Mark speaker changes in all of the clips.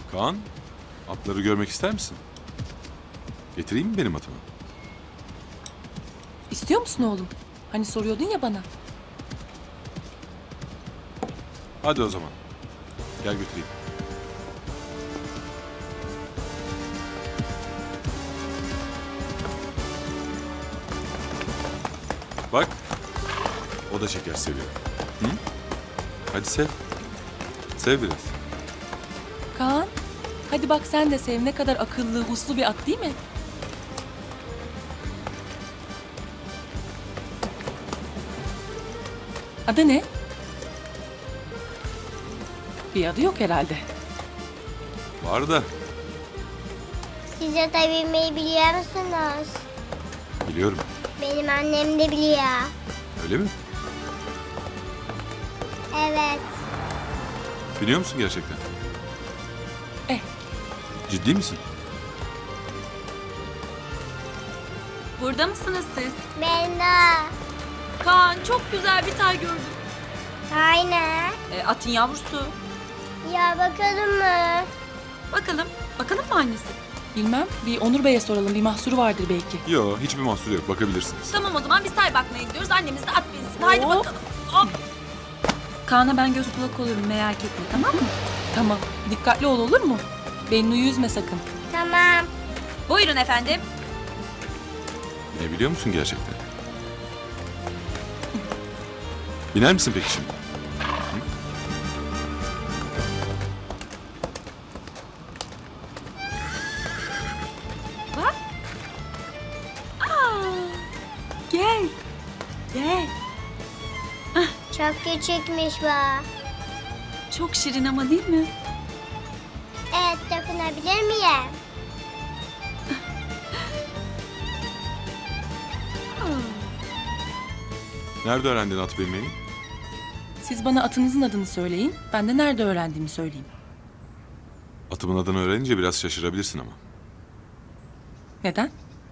Speaker 1: Kaan, atları görmek ister misin? Getireyim mi benim atımı?
Speaker 2: İstiyor musun oğlum? Hani soruyordun ya bana.
Speaker 1: Hadi o zaman. Gel götüreyim. Bak, o da şeker seviyor. Hı? Hadi sev. Sev biraz.
Speaker 2: Kaan, hadi bak sen de sev, ne kadar akıllı, uslu bir at değil mi? Adı ne? Bir adı yok herhalde.
Speaker 1: Var da
Speaker 3: Siz ata binmeyi biliyor musunuz?
Speaker 1: biliyorum.
Speaker 3: Benim annem de biliyor.
Speaker 1: Öyle mi?
Speaker 3: Evet.
Speaker 1: Biliyor musun gerçekten?
Speaker 2: Eh,
Speaker 1: Ciddi misin?
Speaker 4: Burada mısınız siz?
Speaker 3: Ben de.
Speaker 4: Kaan çok güzel bir tay gördüm.
Speaker 3: Aynen.
Speaker 4: Atın yavrusu.
Speaker 3: Ya bakalım mı?
Speaker 4: Bakalım mı annesi?
Speaker 2: bilmem. Bir Onur Bey'e soralım, bir mahsuru vardır belki.
Speaker 1: Yok, hiçbir mahsuru yok. Bakabilirsiniz.
Speaker 4: Tamam o zaman biz tay bakmaya gidiyoruz. Annemiz de at binsin. Haydi
Speaker 2: Hop.
Speaker 4: bakalım. Hop. Kaan'a ben göz kulak olurum merak etme tamam mı?
Speaker 2: Tamam, dikkatli ol olur mu? Bennu'yu üzme sakın.
Speaker 3: Tamam.
Speaker 4: Buyurun efendim.
Speaker 1: Ne biliyor musun gerçekten? Biner misin peki şimdi?
Speaker 4: Bak. Aa, gel. Gel.
Speaker 3: Çok küçükmüş bu.
Speaker 4: Çok şirin ama değil mi?
Speaker 3: Evet, dokunabilir miyim?
Speaker 1: Nerede öğrendin at binmeyi?
Speaker 2: Siz bana atınızın adını söyleyin, ben de nerede öğrendiğimi söyleyeyim.
Speaker 1: Atımın adını öğrenince biraz şaşırabilirsin ama.
Speaker 2: Neden?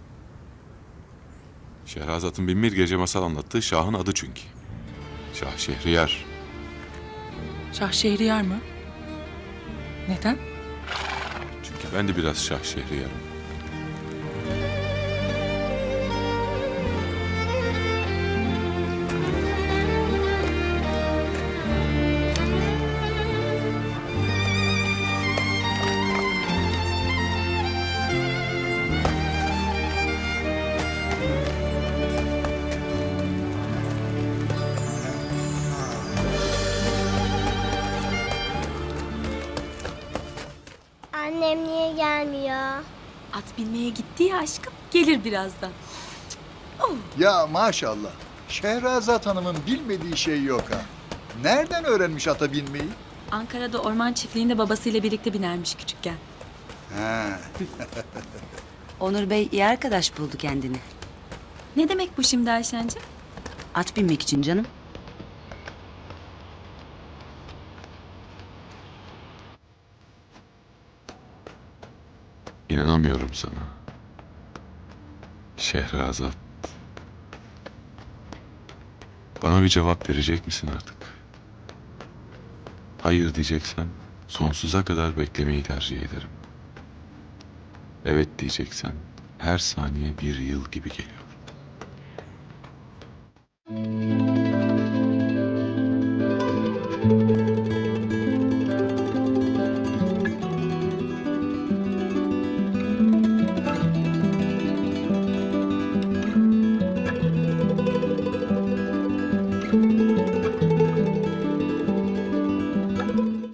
Speaker 1: Şehrazat'ın binbir gece masal anlattığı Şah'ın adı çünkü. Şah Şehriyar.
Speaker 2: Şah Şehriyar mı? Neden?
Speaker 1: Çünkü ben de biraz Şah Şehriyar'ım.
Speaker 3: Annem niye gelmiyor?
Speaker 4: At binmeye gitti ya aşkım. Gelir birazdan.
Speaker 5: Ya maşallah. Şehrazat Hanım'ın bilmediği şey yok ha. Nereden öğrenmiş ata binmeyi?
Speaker 4: Ankara'da orman çiftliğinde babasıyla birlikte binermiş küçükken.
Speaker 5: Ha.
Speaker 6: Onur Bey iyi arkadaş buldu kendini.
Speaker 4: Ne demek bu şimdi Ayşen'cim?
Speaker 6: At binmek için canım.
Speaker 1: İnanamıyorum sana. Şehrazat. Bana bir cevap verecek misin artık? Hayır diyeceksen sonsuza kadar beklemeyi tercih ederim. Evet diyeceksen her saniye bir yıl gibi geliyor.